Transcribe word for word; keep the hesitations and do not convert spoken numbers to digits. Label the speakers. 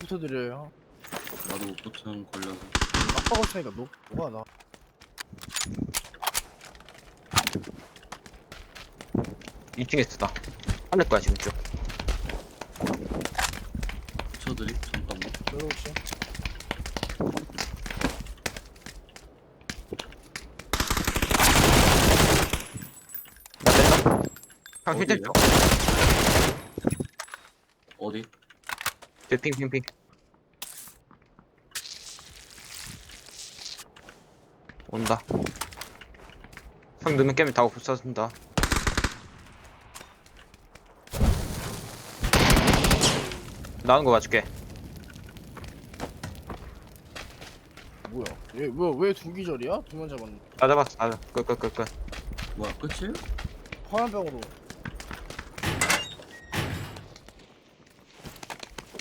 Speaker 1: 붙어드려요.
Speaker 2: 나도 오토층 걸려서.
Speaker 1: 빡빡 차니까 녹 뭐가 나.
Speaker 3: 이 층에 있었다. 하늘 거야 지금 쭉.
Speaker 2: 붙여드리? 잠깐만.
Speaker 1: 들어오시.
Speaker 3: 나 뺀다. 형
Speaker 2: 어디에요?
Speaker 3: 힐 줘.
Speaker 2: 어디?
Speaker 3: 핑핑핑. 온다. 형 넣으면 깨면 다 없어진다. 나오는 거 봐줄게.
Speaker 1: 뭐야? 얘왜왜 두 기절이야? 두 명 잡았는데.
Speaker 3: 나 잡았어. 나 끝 끝 끝 끝.
Speaker 2: 뭐야, 끝이에요?
Speaker 1: 화염병으로